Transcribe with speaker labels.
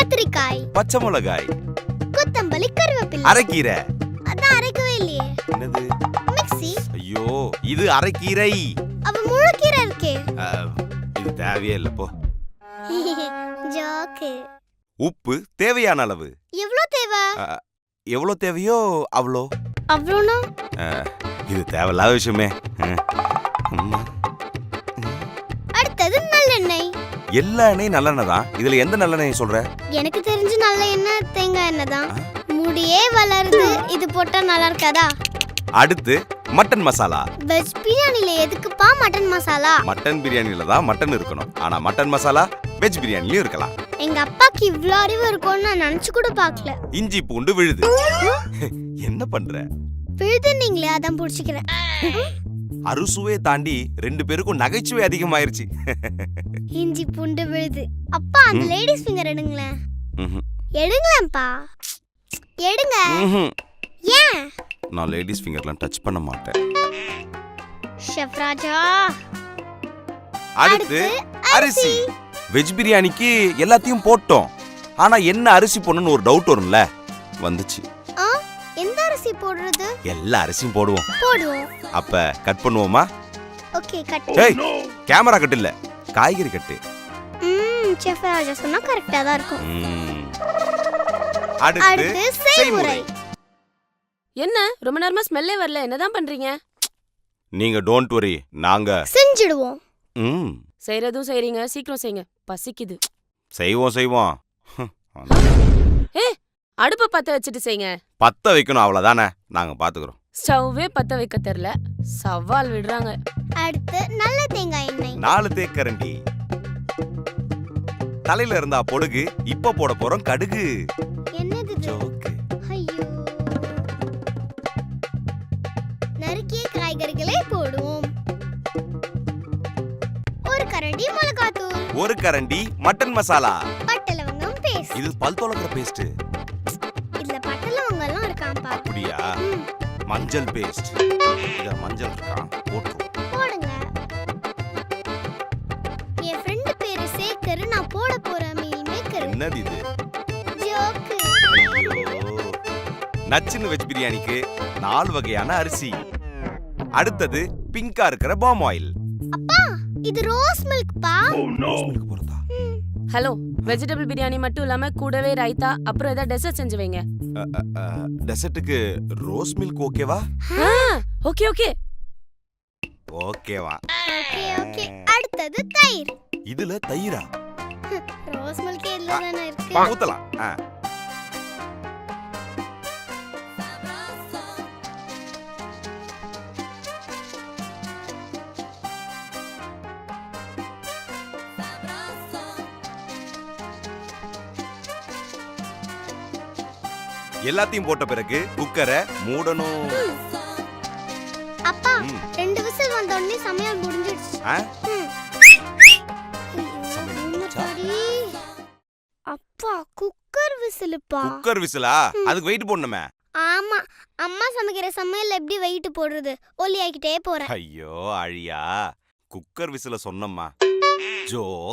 Speaker 1: கத்திரிக்காய்,
Speaker 2: பச்சை மிளகாய்,
Speaker 1: கொத்தமல்லி, கருவேப்பிலை,
Speaker 2: அரைக்கீரை.
Speaker 1: அதான் அரைக்கவே இல்லையே.
Speaker 2: என்னது?
Speaker 1: மிக்ஸி.
Speaker 2: ஐயோ, இது அரைக்கீரை.
Speaker 1: அவ முழுக்கீரை இருக்கே.
Speaker 2: இது தேவையே இல்ல போ.
Speaker 1: ஜோக்கு.
Speaker 2: உப்பு தேவையான அளவு.
Speaker 1: எவ்வளவு தேவை?
Speaker 2: எவ்வளவு தேவையோ அவ்வளோ.
Speaker 1: அவ்வளோனா?
Speaker 2: இது தேவையில்லாத விஷயமே.
Speaker 1: அடுத்தது நல்லெண்ணெய்.
Speaker 2: எல்லா எண்ணெயும் நல்லெண்ணெய் தான். இதுல எந்த நல்லெண்ணெய் சொல்ற?
Speaker 1: எனக்கு தெரிஞ்சு நல்ல எண்ணெய் தேங்காய் எண்ணெய் தான். முடியே வளருது, இது போட்டா நல்லா இருக்காதா?
Speaker 2: அடுத்து மட்டன் மசாலா.
Speaker 1: வெஜ் பிரியாணில எதுக்குப்பா மட்டன் மசாலா?
Speaker 2: மட்டன் பிரியாணில தான் மட்டன் இருக்கணும். ஆனா மட்டன் மசாலா வெஜ் பிரியாணிலயும் இருக்கலாம்.
Speaker 1: எங்க அப்பாக்கு இவ்ளோ அறிவு இருக்கும்னு நான் நினைச்சு கூட பார்க்கல.
Speaker 2: இஞ்சி பூண்டு விழுது. என்ன பண்ற?
Speaker 1: விழுதுன்னீங்களே, அதான் புடிச்சுக்கிறேன்.
Speaker 2: அறுசுவையை தாண்டி 2 பேருக்கும் நகைச்சுவை அதிகமாயிருச்சு.
Speaker 1: இஞ்சி பூண்டு விழுது. அப்பா அந்த லேடிஸ் ஃபிங்கர் எடுங்களேன். எடுங்களேன்ப்பா, எடுங்க. ஏன்?
Speaker 2: நான் லேடிஸ் ஃபிங்கர்லாம் டச் பண்ண மாட்டேன்.
Speaker 1: ஷெஃப் ராஜா.
Speaker 2: அடுத்து அரிசி. வெஜ் பிரியாணிக்கு எல்லாத்தையும் போட்டோம். ஆனா என்ன அரிசி போடணும்னு ஒரு டவுட் வரும்ல, வந்துச்சு.
Speaker 1: எந்த அரிசி போடுறது?
Speaker 2: எல்லா அரிசியும் போடுவோம்.
Speaker 1: போடுவோம்.
Speaker 2: அப்ப கட் பண்ணுவோமா?
Speaker 1: Okay, cut.
Speaker 2: ஏய், கேமரா கட் இல்ல, காய்கறி கட்டு.
Speaker 1: ஷெஃப் ராஜா சொன்னா கரெக்ட்டா தான் இருக்கும்.
Speaker 2: அடுத்து செய்முறை.
Speaker 3: என்ன ரொம்ப நேரமா ஸ்மெல்லே வரல, என்னதான் பண்றீங்க?
Speaker 2: நீங்க டோன்ட் வரி, நாங்க
Speaker 1: செஞ்சிடுவோம்.
Speaker 3: செய்யறதும் செய்றீங்க, சீக்கிரம் செய்யுங்க, பசிக்குது.
Speaker 2: செய்வோம்.
Speaker 3: அடுப்ப பத்த வச்சுட்டு செய்யுங்க.
Speaker 2: பத்த வைக்கணும், அவ்வளவுதானே, நாங்க பாத்துக்கிறோம்.
Speaker 3: ஸ்டவ்வே பத்த வைக்க தெரியல, சவால் விடுறாங்க.
Speaker 1: அடுத்து நல்ல தேங்காய் எண்ணெய்.
Speaker 2: 4 தேக்கரண்டி. தலையில இருந்தா பொடுகு, இப்ப போட போறோம் கடுகு.
Speaker 1: என்னது
Speaker 2: ஜோக்கு.
Speaker 1: ஐயோ. நறுக்கிய காய்கறிகளை போடுவோம். 1 கரண்டி மிளகாத்தூள்.
Speaker 2: 1 கரண்டி மட்டன் மசாலா.
Speaker 1: பட்டை லவங்கம் பேஸ்ட்.
Speaker 2: இது பல் துலக்கிற பேஸ்ட்.
Speaker 1: இதுல பட்டை லவங்கம் எல்லாம் இருக்காம்பா.
Speaker 2: அப்படியா? மஞ்சள் பேஸ்ட். இத மஞ்சள் இருக்கா, போட்டு
Speaker 1: போடுங்க. என் ஃப்ரெண்ட் பேரு சேகர், நான் போட போற மீல் மேக்கர்.
Speaker 2: என்னது இது?
Speaker 1: ஜோக்கு.
Speaker 2: நச்சின்னு வெஜ் பிரியாணிக்கு 4 வகையான அரிசி. அடுத்தது பிங்கா இருக்கிற பாம் ஆயில்.
Speaker 1: அப்பா, இது ரோஸ் மில்க் பா.
Speaker 2: மில்க் போறதா?
Speaker 3: ஹலோ, வெஜிடபிள் பிரியாணி மட்டும் இல்லாம கூடவே ரைத்தா, அப்புறம் ஏதாவது டெசர்ட் செஞ்சு வைங்க.
Speaker 2: டெசர்ட்டுக்கு ரோஸ் மில்க் ஓகேவா?
Speaker 3: ஓகே ஓகே
Speaker 2: ஓகேவா?
Speaker 1: ஓகே. அடுத்தது தயிர்.
Speaker 2: இதுல தயிரா?
Speaker 1: ரோஸ் மில்க் இதுல தான இருக்கு.
Speaker 2: ஊத்தலாம். எல்லாத்தையும் போட்ட பிறகு குக்கரை மூடணும்.
Speaker 1: அப்பா, 2 விசில் வந்த உடனே சமையல் முடிஞ்சிடுச்சு. அப்பா, குக்கர் விசிலுப்பா.
Speaker 2: குக்கர் விசிலா? அதுக்கு வெயிட் போடணுமே.
Speaker 1: ஆமா, அம்மா சமைக்கிற சமையல் எப்படி வெயிட் போடுறது? ஒல்லி ஆக்கிட்டே போறேன்.
Speaker 2: ஐயோ அழியா, குக்கர் விசில சொன்னம்மா. ஜோ